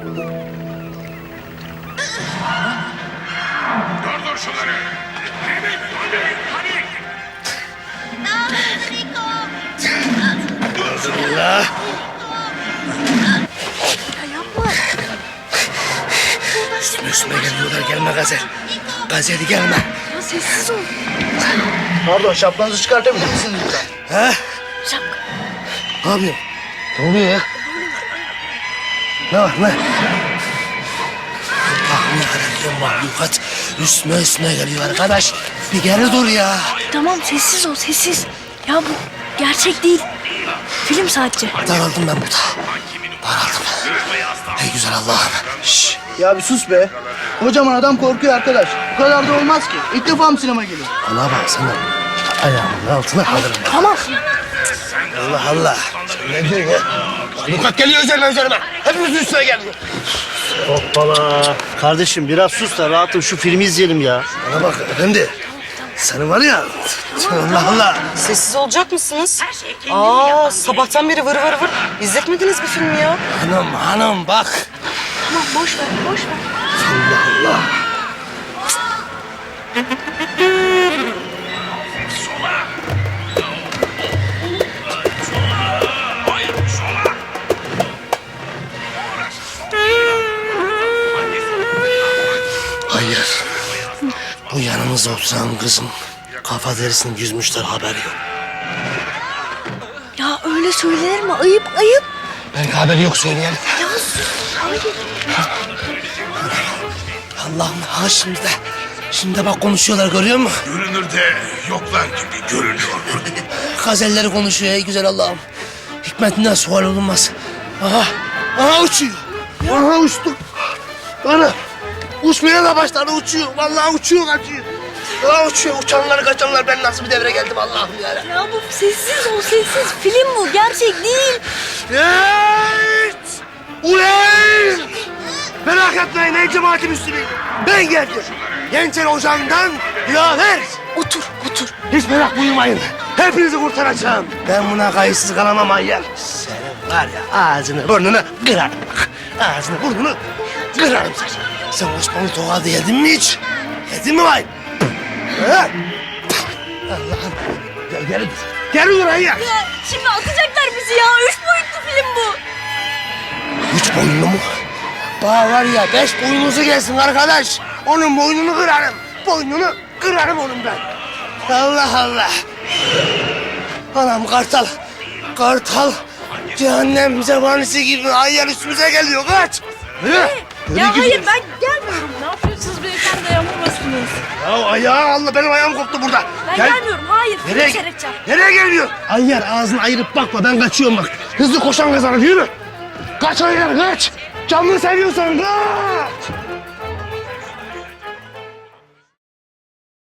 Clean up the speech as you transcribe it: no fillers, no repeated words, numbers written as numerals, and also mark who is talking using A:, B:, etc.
A: Durdur şunları.
B: Allah.
C: Ya yapma.
B: Üstüme geliyorlar, gelme Gazel. Gazel'i gelme.
C: Ya sessiz ol.
D: Pardon, şapkanızı çıkartabilir misiniz lütfen?
B: Ha?
C: Şapka.
B: Ne yapıyorsun? Ne oluyor ya? Ne var ne? Allah'ım yarabbim mahlukat. Üstüme geliyor arkadaş. Bir geri dur ya.
C: Tamam sessiz ol sessiz. Ya bu gerçek değil. Film sadece.
B: Daraldım ben burada. Daraldım. Ey güzel Allah'ım. Şşş.
D: Ya bir sus be. Kocaman adam korkuyor arkadaş. Bu kadar da olmaz ki. İlk defa mı sinema geliyor?
B: Bana bak sana. Ayağımın altına kalırım.
C: Tamam.
B: Allah Allah. Sen ne diyorsun ya? Mahlukat geliyor üzerime. Hepimizin üstüne geliyor.
E: Hoppala. Kardeşim biraz sus da rahatım şu filmi izleyelim ya.
B: Bana bak efendi. Senin var ya. Allah Allah.
F: Sessiz olacak mısınız? Aa, sabahtan beri vır vır vır. İzletmediniz bir filmi ya.
B: Hanım bak.
C: Tamam boş ver boş ver.
B: Allah Allah. Hayır. Bu yanımızda oturan kızın kafa derisini yüzmüşler, haberi yok.
C: Ya öyle söylenir mi? Ayıp ayıp.
B: Belki haberi yok söyleyelim.
C: Ya sus. Hayır.
B: Allah'ım ha şimdi de bak konuşuyorlar, görüyor musun?
A: Görünürde yoklar gibi görünüyor.
B: Gazelleri konuşuyor ey güzel Allah'ım. Hikmetinden sual olunmaz. Aha uçuyor. Aha uçtu. Ana uçmaya da başladı, uçuyor. Vallahi uçuyor, kaçıyor. Aha uçuyor, uçanlar kaçanlar, ben nasıl bir devre geldim Allah'ım ya.
C: Ya bu sessiz ol sessiz. Film bu gerçek değil.
B: Evet! Ulan! Merak etmeyin ey cemaati Müslümin. Ben geldim. Gençler Ocağı'ndan Dilaver.
C: Otur otur.
B: Hiç merak buyurmayın. Hepinizi kurtaracağım. Ben buna kayıtsız kalamam Ayyar. Senin var ya ağzını burnunu kırarım bak. Ağzını burnunu kırarım seni. Sen Osmanlı tokadı yedin mi hiç? Yedin mi vay? Ha? Allah'ım. Geri dur. Geri dur Ayyar.
C: Ya şimdi atacaklar bizi ya. 3 boyutlu film bu.
B: 3 boyunlu mu? Bana var ya 5 boynunuzu gelsin arkadaş. Onun boynunu kırarım. Boynunu kırarım onun ben. Allah Allah. Anam kartal. Kartal. Cehennem zebanisi gibi Ayyar üstümüze geliyor. Kaç. Yürü. Yürü
C: Ya hayır
B: gidiyoruz.
C: ben gelmiyorum. Ne yapıyorsunuz beyefendi? Yapamazsınız.
B: Ya ayağı Allah, benim ayağım koptu burada.
C: Ben
B: Gel.
C: gelmiyorum. Hayır.
B: Nereye,
C: Film seyredeceğim.
B: nereye geliyor? Ayyar ağzını ayırıp bakma, ben kaçıyorum bak. Hızlı koşan kazanır, yürü. Kaç Ayyar kaç. Canını seviyorsan kaç.